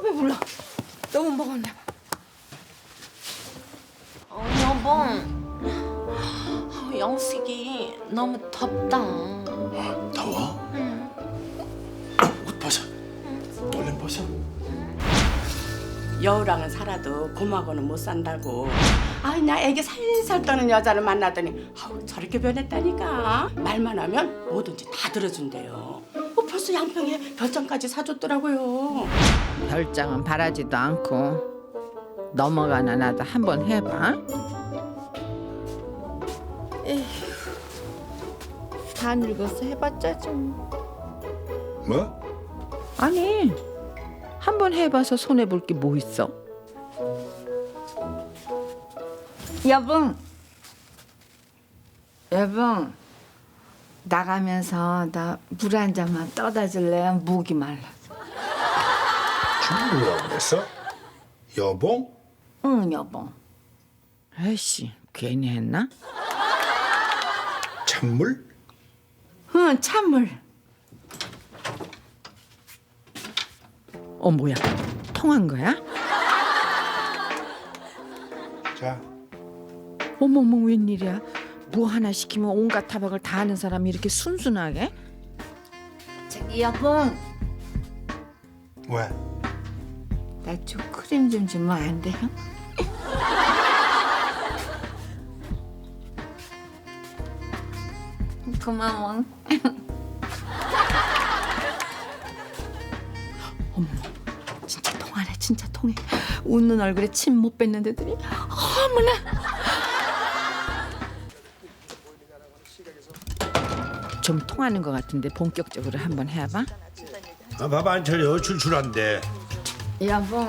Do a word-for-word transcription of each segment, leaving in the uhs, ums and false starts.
배불러. 너무 먹었나 봐. 어, 여보. 어, 영식이 너무 덥다. 더워? 응. 옷 벗어. 얼른 벗어. 여우랑은 살아도 곰하고는 못 산다고. 아이 나 애기 살살 떠는 여자를 만나더니 아우 저렇게 변했다니까. 말만 하면 뭐든지 다 들어준대요. 어, 벌써 양평에 별장까지 사줬더라고요. 별장은 바라지도 않고 넘어가나 나도 한번 해봐. 에휴, 다 늙어서 해봤자 좀. 뭐? 아니, 한번 해봐서 손해볼 게 뭐 있어? 여봉, 여봉, 나가면서 나 물 한 잔만 떠다 줄래? 목이 말라. 지금 뭐라고 그랬어? 여봉? 응, 여봉. 아이씨, 괜히 했나? 찬물? 응, 찬물. 어, 뭐야? 통한 거야? 자, 어머머, 웬일이야? 뭐 하나 시키면 온갖 타박을 다 하는 사람이 이렇게 순순하게? 저기 여봉, 왜? 나 초크림 좀 주면 안 돼요? 고마워. 어머, 진짜 통하네, 진짜 통해. 웃는 얼굴에 침 못 뱉는데더니 어머나. 좀 통하는 것 같은데 본격적으로 한번 해봐. 아, 밥 안 차려. 출출한데. 여보,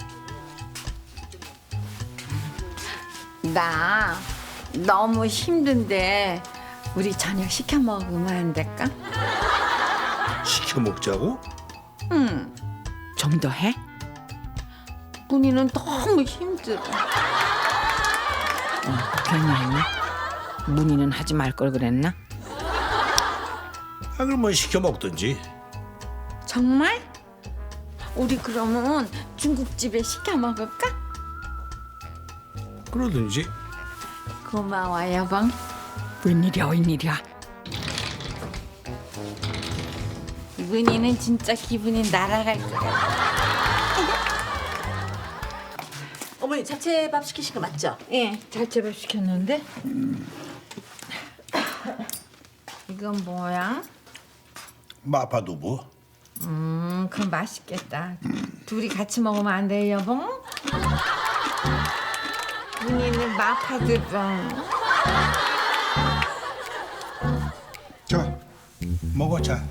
나 너무 힘든데 우리 저녁 시켜 먹으면 안 될까? 시켜 먹자고? 응. 좀 더 해? 문희는 너무 힘들어. 어, 괜히 했나? 문희는 하지 말 걸 그랬나? 아, 그러면 시켜 먹든지. 정말? 우리 그러면 중국집에 시켜 먹을까? 그러든지. 고마워, 여봉. 웬일이야, 웬일이야. 문희는 진짜 기분이 날아갈 거야. 어머니 잡채밥 시키신 거 맞죠? 예, 잘채밥 시켰는데. 이건 뭐야? 마파두부. 음, 그럼 맛있겠다. 둘이 같이 먹으면 안 돼요, 여봉? 문희는 마파두부. 자, 먹어, 자.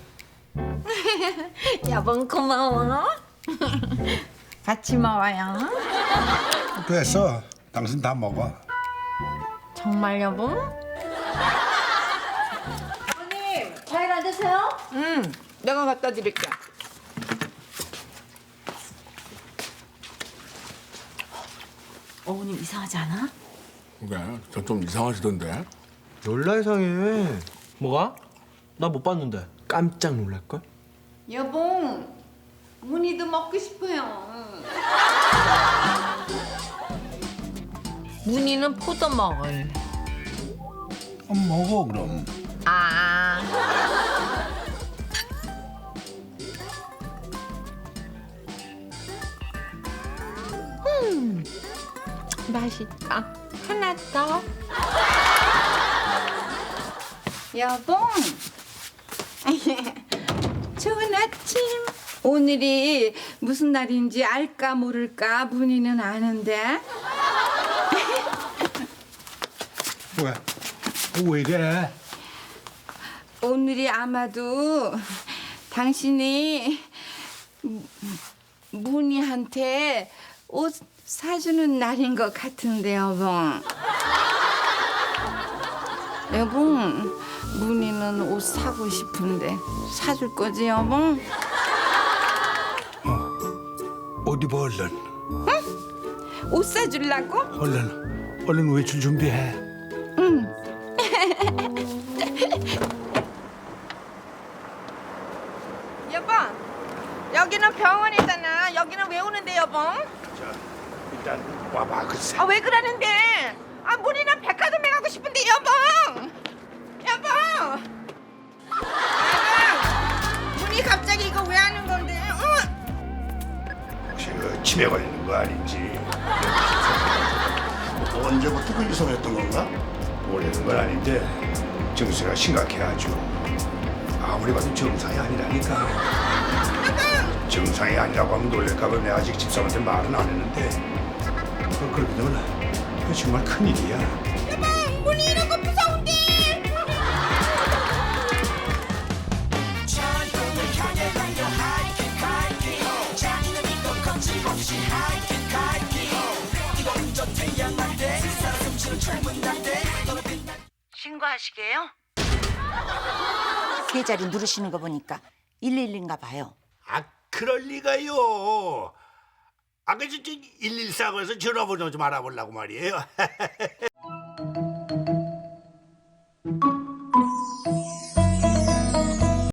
여봉 고마워. 같이 먹어요. 됐어. 당신 다 먹어. 정말 여봉? 어머님 과일 안 드세요? 응, 내가 갖다 드릴게. 어머님 이상하지 않아? 그래, 저 좀 이상하시던데. 놀라 이상해. 뭐가? 나 못 봤는데 깜짝 놀랄걸? 여봉, 문희도 먹고 싶어요. 문희는 포도 먹을. 어, 먹어, 그럼. 아. 음, 맛있다. 하나 더. 여봉. 좋은 아침. 오늘이 무슨 날인지 알까 모를까 문희는 아는데. 왜? 왜 이래? 오늘이 아마도 당신이 문희한테 옷 사주는 날인 것 같은데 여봉. 여봉, 문희는 옷 사고 싶은데 사줄 거지 여봉? 옷 입어, 얼른. 옷 사주려고? 얼른, 얼른 외출 준비해. 여보, 여기는 병원이잖아. 여기는 왜 오는 그러는데 여보? 자, 일단 와봐 글쎄. 아 왜 그러는데? 아 문이나 백화점에 가고 싶은데 여보! 여보! 여보! 문이 갑자기 이거 왜 하는 건데? 어? 혹시 그 치매 걸리는 거 아닌지. 언제부터 그 이상했던 건가? 오래된 건 아닌데 증세가 심각해 아주. 아무리 봐도 정상이 아니라니까. 정상이 아니라고 하면 놀랄까 봐 내가 아직 집사람한테 말은 안 했는데 그, 그렇게 되면 그거 정말 큰일이야. 문이 이런 거 무서운데? 신고하시게요? 세 자리 누르시는 거 보니까 일일인가 봐요. 아 그럴 리가요. 아까 저 일일사고에서 전화번호 좀 알아보려고 말이에요.